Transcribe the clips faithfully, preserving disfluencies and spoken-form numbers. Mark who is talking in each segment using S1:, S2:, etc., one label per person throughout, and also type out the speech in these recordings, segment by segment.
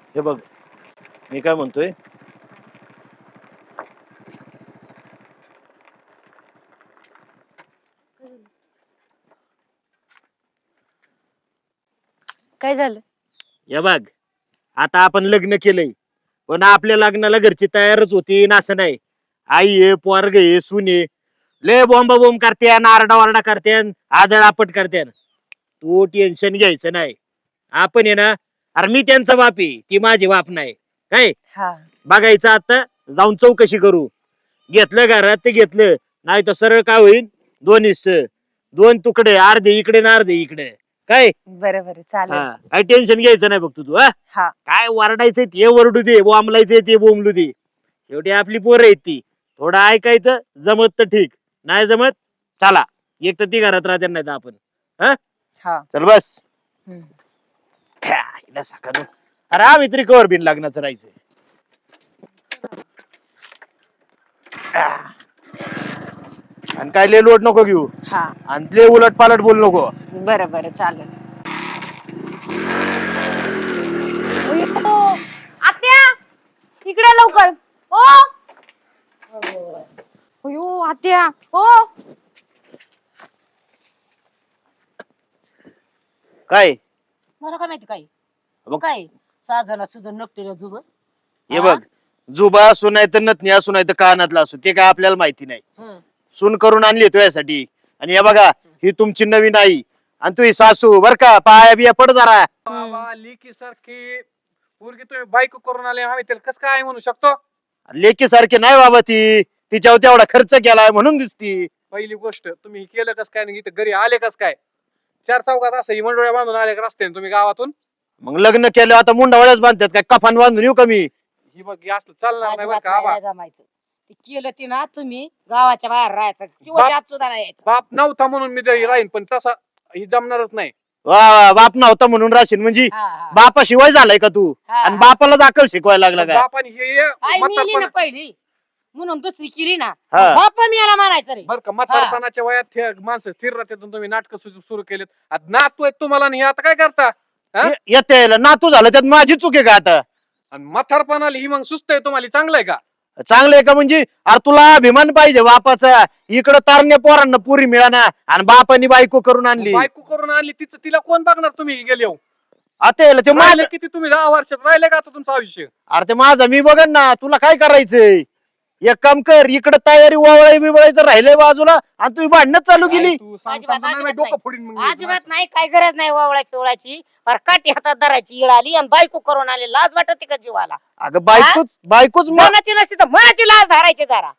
S1: हे बघ मी काय म्हणतोय,
S2: काय झालं?
S1: हे बघ आता आपण लग्न केलंय पण आपल्या लग्नाला घरची तयारच होती ना, असं नाही. आई आहे, पोरग आहे, सून आहे, लय बॉम्ब बॉम्ब करते, आरडा वारडा करते, आदळ आपट करते. तू टेन्शन घ्यायचं नाही. आपण आहे ना, अरे मी त्यांचा बाप आहे, ती माझी बाप नाही काय.
S2: हा
S1: बघायचं आता जाऊन चौकशी करू. घेतलं घरात ते घेतलं, नाही तर सरळ काय होईल, दोन हिस्से, दोन तुकडे, अर्धे इकडे ना अर्धे इकडे काय.
S2: बरं बरं चालेल.
S1: हा काय टेन्शन घ्यायचं नाही बघ तू. हा
S2: हा
S1: काय वरडायचंय ते वरडू दे, बोंबलायचंय ते बोंबलू दे. शेवटी आपली पोरं आहेत ती. थोडं ऐकायचं, जमत तर ठीक, नाही जमत चला, एक तर ती घरात राहते नाही तर आपण. हा
S2: हा
S1: चल बस.
S2: हम्म.
S1: ख्या, हिला सकाळी अरे आम्ही तरी कवर बिन लग्नाचं राहायचंय. आणि काय लय लोट नको घेऊ,
S2: हा
S1: आणि लय उलट पालट बोल नको.
S2: बरं बरं चालेल. अय्यो, आत्या इकडे लवकर. ओ अयो आत्या ओ.
S1: काय
S3: मला काय माहिती काय
S1: मग?
S3: काय सहा जण सुद्धा नकटेल जुब.
S1: हे बघ, जुबा असू नाही तर नथनी असू नाही तर कानातला असू, ते काय आपल्याला माहिती नाही. सून करून आणली तुझ्यासाठी. आणि हे बघा, ही तुमची नवीन आई आणि तुझी सासू बर का, पाया बिया पड जरा.
S4: बाबा लेकी सारखी पोरगी तुम्ही बायको करून आले, आम्ही त्याला कसं काय म्हणू शकतो?
S1: लेकी सारखी नाही बाबा ती, तिच्यावर तेवढा खर्च केलाय म्हणून दिसती.
S4: पहिली गोष्ट तुम्ही हे केलं कस काय, इथं घरी आले कस काय? चार चौकात असं ही मंडोळ्या बांधून आले का रस्त्याने तुम्ही गावातून?
S1: मग लग्न केलं आता मुंडावळ्याच बांधतात काय, कफान बांधून येऊ कमी.
S4: ही बघ हे असलं चालणार नाही बरं
S3: अजिबात
S4: का आबा.
S3: नाही जमायचं. ते केलं ते ना तुम्ही गावाच्या बाहेर राहायचं, चिवच्या आत सुद्धा नाही यायचं.
S4: बाप नव्हता म्हणून मी तरी राहीन, पण तसा ही जमणारच नाही.
S1: वा वा, बाप नव्हता म्हणून राशीन म्हणजे
S3: हा, हा.
S1: बापाशिवाय झालाय का तू?
S3: हा,
S1: आणि
S3: हा.
S1: बापाला दाखल शिकवायला लागला का?
S4: बापाने हे हे
S3: आई मेली ना
S4: म्हातारपण
S3: पहिली म्हणून दुसरी केली ना,
S1: हा.
S3: बाप मी याला म्हणायचं रे.
S4: बर का, म्हातारपणाच्या वयात हे माणसं स्थिर राहतात, तुम्ही नाटक सुरू केलेत. आता नातू आहेत तुम्हाला आणि हे आता काय करता? हा?
S1: ये- येते नातू झालं त्यात माझी चूक आहे का आता?
S4: आणि म्हातारपणाला ही मग सुस्त आहे तुम्हाला, चांगलं आहे का?
S1: चांगलं आहे का म्हणजे? अरे तुला अभिमान पाहिजे बापाचा. इकडं तारण्या पोरांना पुरी मिळाना आणि बापानी बायको करून आणली.
S4: बायको करून आणली, तिचं तिला कोण बघणार? तुम्ही गेले हो.
S1: आता याला ते माझं,
S4: राहिले किती तुम्ही दहा वर्षात राहिले का आता तुमचं आयुष्य?
S1: अरे ते माझं मी बघन ना, तुला काय करायचंय? एक काम कर, इकडं तयारी वावळाय बिवळायचं राहिलंय बाजूला आणि तुम्ही भांडणं चालू केली.
S4: आई, तू सांग-
S3: अजिबात-
S4: सांगतो नाही, मी
S3: अजिबात
S4: डोकं फोडीन मग मी.
S3: अजिबात नाही, काय गरज नाही वावळा पिवळाची. पर काठी हातात धरायची इळ आली आणि बायको करून आली, लाज वाटते का जीवाला?
S1: अगं बायकोच बायकोच म-
S3: मनाची नसती तर मनाची लाज धरायची जरा.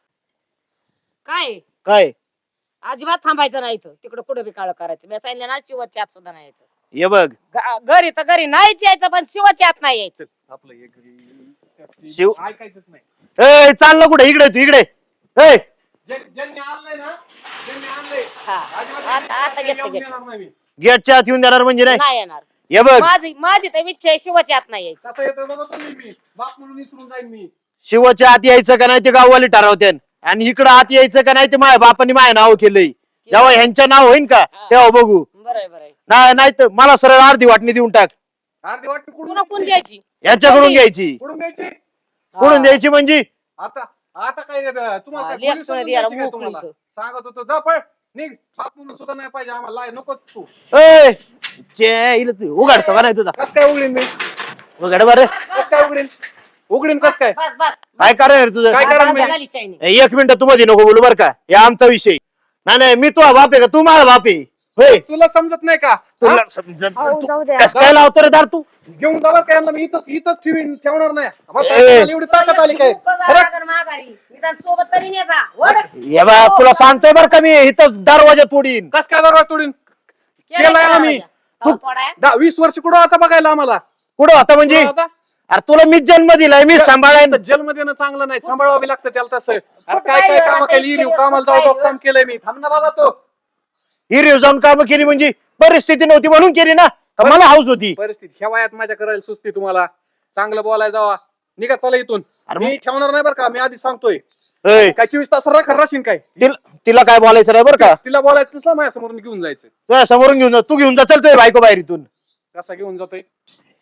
S3: काय
S1: काय
S3: अजिबात थांबायचं नाही इथं, तिकडे कुठे बी काळ करायचं. मी सांगितलं ना, शिवच्या आत सुद्धा नाही यायचं.
S1: हे बघ
S3: ग- घरी तर घरी नाहीच यायचं, पण शिवच्या आत नाही यायचं.
S4: आपलं एक घरी-
S1: शिव-
S4: ऐकायचंच नाही.
S1: ए चाललं कुठे? इकडे तू इकडे. ए
S4: जे- ज्यांनी आणलंय ना, ज्यांनी आणलंय,
S3: हा.
S4: अजिबात
S3: आता- आता
S4: येऊन
S3: घेतलं, घेतलं.
S4: देणार नाही मी.
S1: गेटच्या आत येऊन देणार म्हणजे नाही.
S3: नाही येणार.
S1: हे बघ,
S3: माझी माझी तर इच्छा आहे शिवच्या आत नाही यायचं.
S4: कसं येतोय बघा तुम्ही, मी बाप म्हणून विसरून जाईन मी.
S1: शिवाच्या आत यायचं का नाही ते गाववाले ठरवते, आणि इकडं आत यायचं का नाही ते माझ्या बापाने माझ्या नाव केलंय. जेव्हा ह्यांच्या नाव होईन का तेव्हा बघू.
S3: बरं आहे, बरं आहे.
S1: नाही नाही तर मला सरळ अर्धी वाटणी देऊन टाक.
S4: अर्धी वाटणी कुठून
S3: पुन्हा कोण
S4: द्यायची?
S3: घ्यायची?
S1: यांच्याकडून घ्यायची.
S4: कुठून द्यायची?
S1: कुठून द्यायची म्हणजे?
S4: आता आता काय अं, तुम्हाला
S3: हा,
S4: काय
S3: लेक
S4: पोलीस
S3: सोडा
S4: समजून
S3: द्यायला
S4: द्यायची काय
S3: मोकळी
S4: तुम्हाला?
S3: इथं.
S4: सांगत होतो जा पळ निघ, बाप म्हणून सुद्धा नाही पाहिजे आम्हाला, लाय, नको तू.
S1: ए, चे, हिला तू उघडतो का नाही तुझा?
S4: कस काय उघडीन मी?
S1: उघड बरं.
S4: कस काय उघडीन? उघडीन कस काय?
S3: बस बस
S1: काय कारण तुझं?
S4: काय कारण मी?
S3: झाली शायनी.
S1: ए, एक मिनिट तू मध्ये नको बोलू बरं का, हे आमचा विषय नाही. नाही मी तुझा बाप आहे का? तू माझा बाप आहे होय?
S4: तुला समजत नाही का?
S1: तुला समजत
S2: अहो, जाऊ द्या.
S1: कस काय लावतो रे दार तू?
S4: घेऊन जाणार काय यांना? मी इथंच इथंच ठेवीन, ठेवणार नाही. बस,
S1: ए.
S4: तुम्हाला एवढी ताकद आली काय?
S3: तू कसा
S4: खरं?
S3: लागल माघारी? निदान सोबत तरी ने जा. वळ.
S1: हे बा तुला सांगतोय बरं का मी, इथं दरवाजा तोडीन.
S4: कस काय दरवाजा तोडीन?
S3: केलंय
S4: केलंय
S3: का
S4: आम्ही.
S3: दरवाजा? हो, तोडाय.
S4: दहा वीस वर्ष कुठं आता बघायला आम्हाला?
S1: कुठं होता म्हणजे?
S4: कुठं होता?
S1: अरे तुला मी जन्म दिलाय, मी सांभाळायन.
S4: जन्म देणं चांगलं नाही, सांभाळावं बी लागतं त्याला तसं. अरे
S3: कुठं
S4: काय काय
S3: राहिलं?
S4: काम
S3: आता
S4: केली,
S3: इतके
S4: कामाला
S3: दिवस
S4: जाऊ
S3: कुठं
S4: काम केलंय मी. थांब ना बाबा तो.
S1: ही जाऊन काम केली म्हणजे परिस्थिती नव्हती म्हणून केली ना, का मला हाऊस होती?
S4: परिस्थिती ह्या वयात माझ्या करायला सुस्ती तुम्हाला. चांगलं बोलायला जावा, निघा चला इथून.
S1: अरे
S4: मी ठेवणार नाही बरं का, मी आधी सांगतोय.
S1: ए,
S4: काय चोवीस तास राखा राशीन काय?
S1: तिला तिला काय बोलायचं नाही बरं का?
S4: तिला बोलायचं माझ्या समोरून घेऊन जायचं.
S1: तुझ्या समोरून घेऊन जा, तू घेऊन जा, चल तुझ्या बायको बाहेर इथून.
S4: कसा घेऊन जातोय?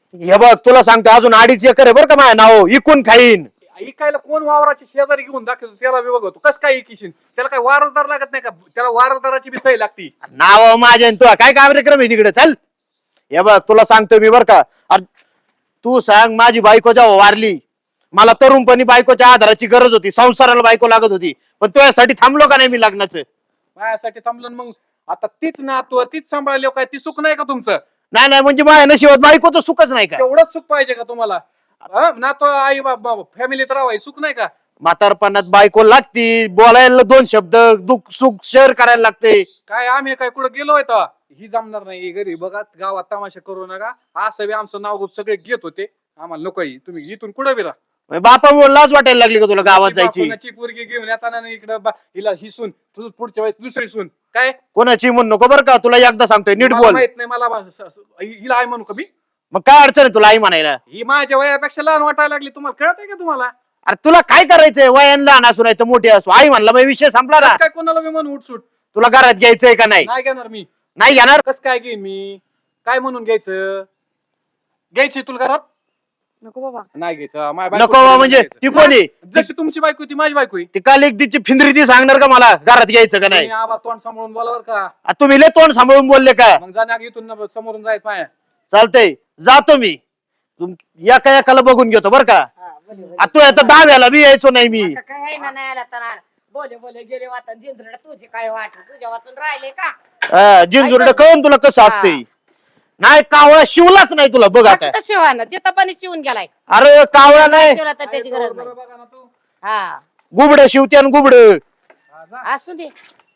S1: हे बघ तुला सांगतो अजून अडीच एकर आहे बरं का माझ्या नाव इकून खाईन.
S4: इकायला कोण वावराची शेजारी घेऊन दाखवतो त्याला बी बघतो कसं काय इकिशीन त्याला काय वारसदार लागत नाही का त्याला वारसदाराची बी सही लागती.
S1: नाव माझ्या तुला काय कार्यक्रम आहे तिकडे चल. हे बघ तुला सांगतो मी बर का अरे तू सांग माझी बायको जेव्हा वारली मला तरुणपणी बायकोच्या आधाराची गरज होती संसाराला बायको लागत होती पण तुझ्यासाठी थांबलो का नाही मी लग्नाचं.
S4: माझ्यासाठी थांबलं मग आता तीच नातू तीच सांभाळली काय ती सुख नाही का तुमचं.
S1: नाही नाही म्हणजे माझ्या नशिबात बायको तर सुखच नाही का.
S4: तेवढंच सुख पाहिजे का तुम्हाला नातू आई बाबा फॅमिलीत राहाय सुख नाही का.
S1: म्हातारपणात बायको लागती बोलायला दोन शब्द दुःख सुख शेअर करायला लागते.
S4: काय आम्ही काय कुठं गेलोय तर ही जमणार नाही घरी बघा गावात तमाशा करू नका असं बी आमचं नाव गुप सगळे घेत होते आम्हाला नकोय तुम्ही इथून कुठं बी राहा.
S1: बापामुळे लाज वाटायला लागली का तुला गावात जायची.
S4: कोणाची पोरगी घेऊन येताना इकडं बा- हिला ही सून तुझं पुढच्या वेळेस दुसरी सून काय
S1: कोणाची म्हणू नको बरं का तुला एकदा सांगतोय नीट
S4: मला
S1: बोल.
S4: माहित नाही मला बा- स- स- हिला आहे म्हणू का मी.
S1: मग काय अडचण आहे तुला आई म्हणायला.
S4: ही माझ्या वयापेक्षा लहान वाटायला लागली तुम्हाला कळत आहे का तुम्हाला.
S1: अरे तुला काय करायचंय वयान लहान असू नाही तर मोठी असू आई म्हणला मग विषय संपला ना.
S4: कसं काय कोणाला मी म्हणून उठसूट
S1: तुला घरात घ्यायचंय का नाही.
S4: नाही घेणार मी.
S1: नाही घेणार.
S4: कस काय घेईन मी काय म्हणून घ्यायचं घ्यायची तुला घरात
S2: नको बाबा.
S4: नाही घ्यायचं माझ्या
S1: नको
S4: बायकोला
S1: बा म्हणजे
S4: घ्यायचं.
S1: ती कोणी
S4: जशी तुमची बायको होती माझी बायको आहे.
S1: ती काल एक तिची फिंदरी ती सांगणार का मला घरात घ्यायचं का नाही.
S4: तुम्ही आबा तोंड सांभाळून बोलावर का
S1: आ, तुम्ही लय तोंड सांभाळून बोलले का.
S4: मग जाण्या इथून न- समोरून जायचं पाय.
S1: चालतंय जातो मी तुम- एका एकाला बघून घेतो बरं का.
S3: हा, बोले, बोले.
S1: आ, तू आता दहाव्याला बी यायचो नाही मी.
S3: आता काय आहे ना नाही आला तर बोले बोले गेले वाटत जिंजरड तुझे काय वाट तुझ्या वाचून राहिले का.
S1: जिंजुरड कळून तुला कसं असते. नाही कावळा शिवलाच नाही तुला बघ आता.
S3: आता शिवाना जिथं पाणी शिवून गेलाय
S1: अरे कावळा नाही
S3: शिवला तर त्याची गरज नाही.
S4: बघा ना तू.
S3: हा
S1: गुबड शिवते आणि गुबड.
S4: हा, जा.
S3: असू दे.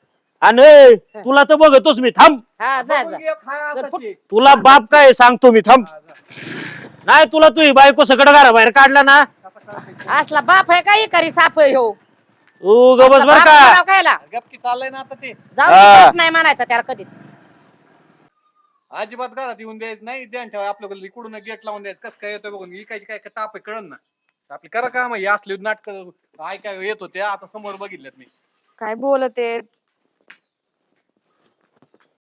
S1: आणि तुला तर बघतोच मी थांब.
S3: हा जा
S4: बघून
S3: जा.
S4: घे, खाय आताची.
S1: तुला बाप काय सांगतो मी थांब.
S4: हा, जा.
S1: नाही तुला तू बायको सगळं घरा बाहेर काढला ना
S4: कसं करायचं?
S3: असला बाप आहे काही करी साप आहे हो.
S1: तू गबस बर
S3: बाप
S1: का.
S3: म्हणावं कायला
S4: गपकी चाललंय ना आता ते
S3: जाऊ
S1: हा.
S3: दे, नाही म्हणायचं त्याला कधीच.
S4: अजिबात घरात येऊन द्यायचं नाही ध्यान ठेवा आपल्याकडे इकडून गेट लावून द्यायचं कसं काय येतोय बघून इकायची काय टाप आहे कळण ना आपली करा काम हे असले नाटक ऐकाय येत होते आता समोर बघितल्यात मी.
S2: काय बोलते